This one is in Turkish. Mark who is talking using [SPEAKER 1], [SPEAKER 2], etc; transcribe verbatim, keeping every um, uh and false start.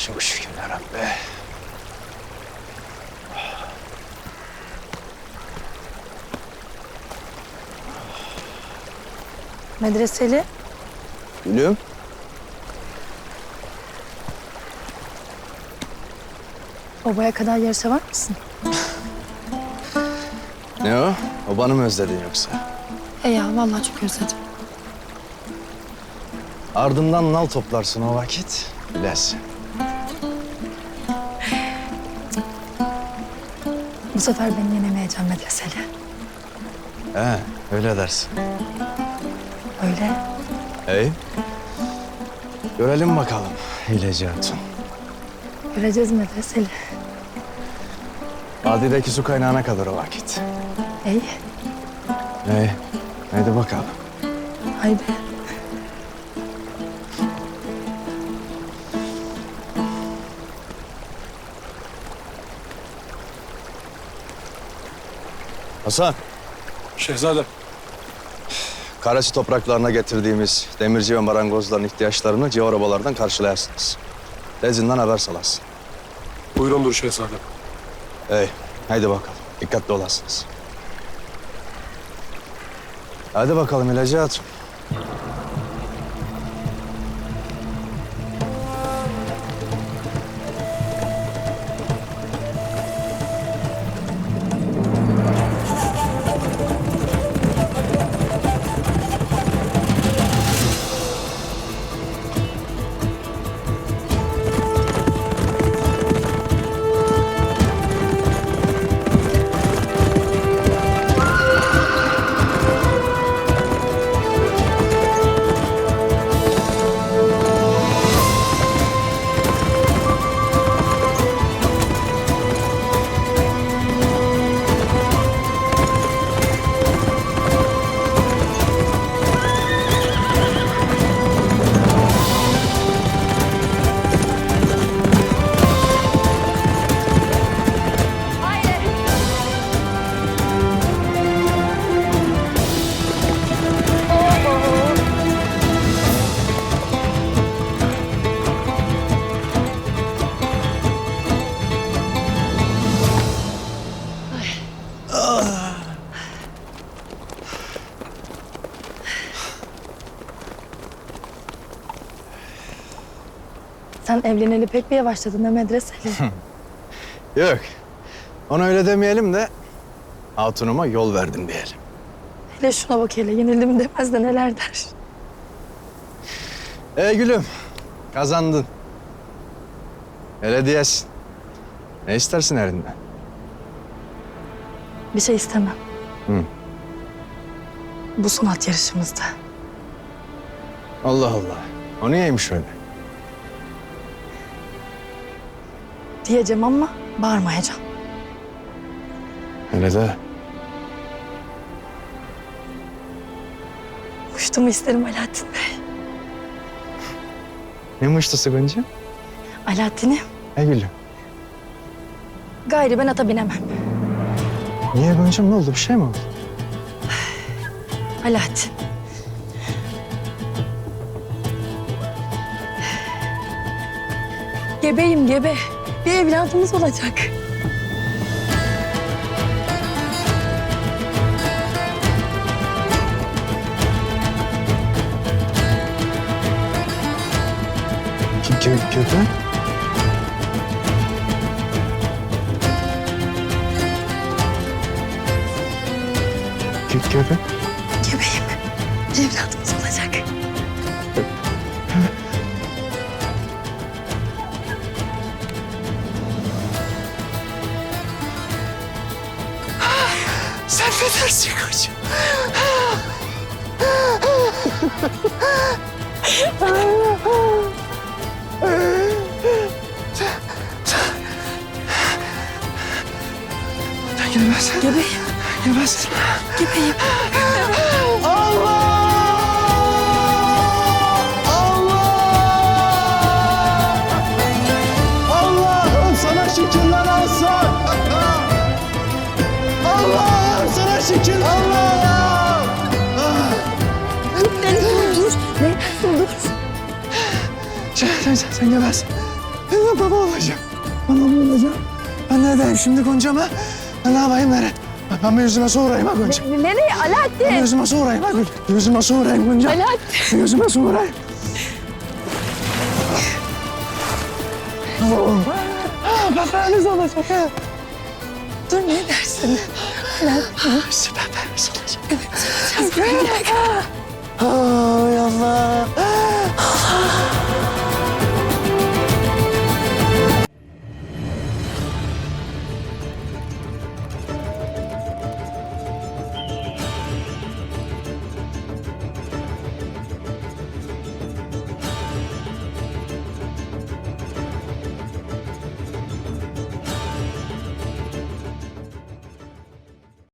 [SPEAKER 1] Çok şükür ya Rabbi.
[SPEAKER 2] Medreseli.
[SPEAKER 1] Gülüm.
[SPEAKER 2] Obaya kadar yarışa var mısın?
[SPEAKER 1] Ne o? Obanı mı özledin yoksa?
[SPEAKER 2] E ya vallahi çok özledim.
[SPEAKER 1] Ardından nal toplarsın o vakit. Bilesin.
[SPEAKER 2] Bu sefer beni yenemeyeceğim Medreseli.
[SPEAKER 1] He, öyle dersin.
[SPEAKER 2] Öyle.
[SPEAKER 1] İyi. Görelim bakalım Hileci Hatun.
[SPEAKER 2] Göreceğiz Medreseli.
[SPEAKER 1] Vadideki su kaynağına kadar o vakit.
[SPEAKER 2] İyi.
[SPEAKER 1] İyi. Haydi bakalım.
[SPEAKER 2] Haydi.
[SPEAKER 1] Hasan,
[SPEAKER 3] Şehzadem.
[SPEAKER 1] Karaçi topraklarına getirdiğimiz demirci ve marangozların ihtiyaçlarını civar obalardan karşılayarsınız. Lezinden haber salasın.
[SPEAKER 3] Buyurundur şehzadem.
[SPEAKER 1] İyi. Haydi bakalım. Dikkatli olasınız. Hadi bakalım Hileci Hatun.
[SPEAKER 2] Sen evleneli pek bir yavaşladın ha Medreseli.
[SPEAKER 1] Yok. Ona öyle demeyelim de hatunuma yol verdim diyelim.
[SPEAKER 2] Hele şuna bak hele yenildim demez de neler der.
[SPEAKER 1] Ey gülüm, kazandın. Öyle diyesin. Ne istersin elinden?
[SPEAKER 2] Bir şey istemem.
[SPEAKER 1] Hı.
[SPEAKER 2] Bu sanat yarışımızda.
[SPEAKER 1] Allah Allah. O niyeymiş öyle?
[SPEAKER 2] Diyeceğim ama bağırmayacağım.
[SPEAKER 1] Öyle de.
[SPEAKER 2] Muştumu isterim Alaaddin Bey.
[SPEAKER 1] Ne mıştısı Gonca?
[SPEAKER 2] Alaaddin'im.
[SPEAKER 1] Ey gülüm.
[SPEAKER 2] Gayrı ben ata binemem.
[SPEAKER 1] Niye Gonca'm, ne oldu? Bir şey mi oldu?
[SPEAKER 2] Alaaddin. Gebeyim gebe. Bir evladımız olacak.
[SPEAKER 1] Kö köpek? Kö köpek?
[SPEAKER 2] Gebeyim. Bir evladımız olacak.
[SPEAKER 1] Sen ne dersin koçum? Sen gelmezsin.
[SPEAKER 2] Gebeyim.
[SPEAKER 1] Gelmezsin.
[SPEAKER 2] Gebeyim.
[SPEAKER 1] Allah! Allah! Allah'ım sana şükürler olsun. Allah'ım sana şükür. Allah'ım.
[SPEAKER 2] Beni dur. Ne? Dur.
[SPEAKER 1] Sen, sen, sen, sen gelmezsin. Ben de baba olacağım. Baba olacağım. Ben ne edeyim şimdi Gonca'ma? Ben ne yapayım Eren? Ben bir yüzüme su vurayım ha Gonca.
[SPEAKER 2] Ne- nereye
[SPEAKER 1] Ben bir
[SPEAKER 2] Alaaddin?
[SPEAKER 1] yüzüme su vurayım ha Gonca. Yüzüme su vurayım Gonca.
[SPEAKER 2] Alaaddin.
[SPEAKER 1] Yüzüme su vurayım. Oğlum. Bebeğimiz olacak ha.
[SPEAKER 2] Dur ne dersin?
[SPEAKER 1] Süper bebeğimiz olacak. Ay Allah. Allah.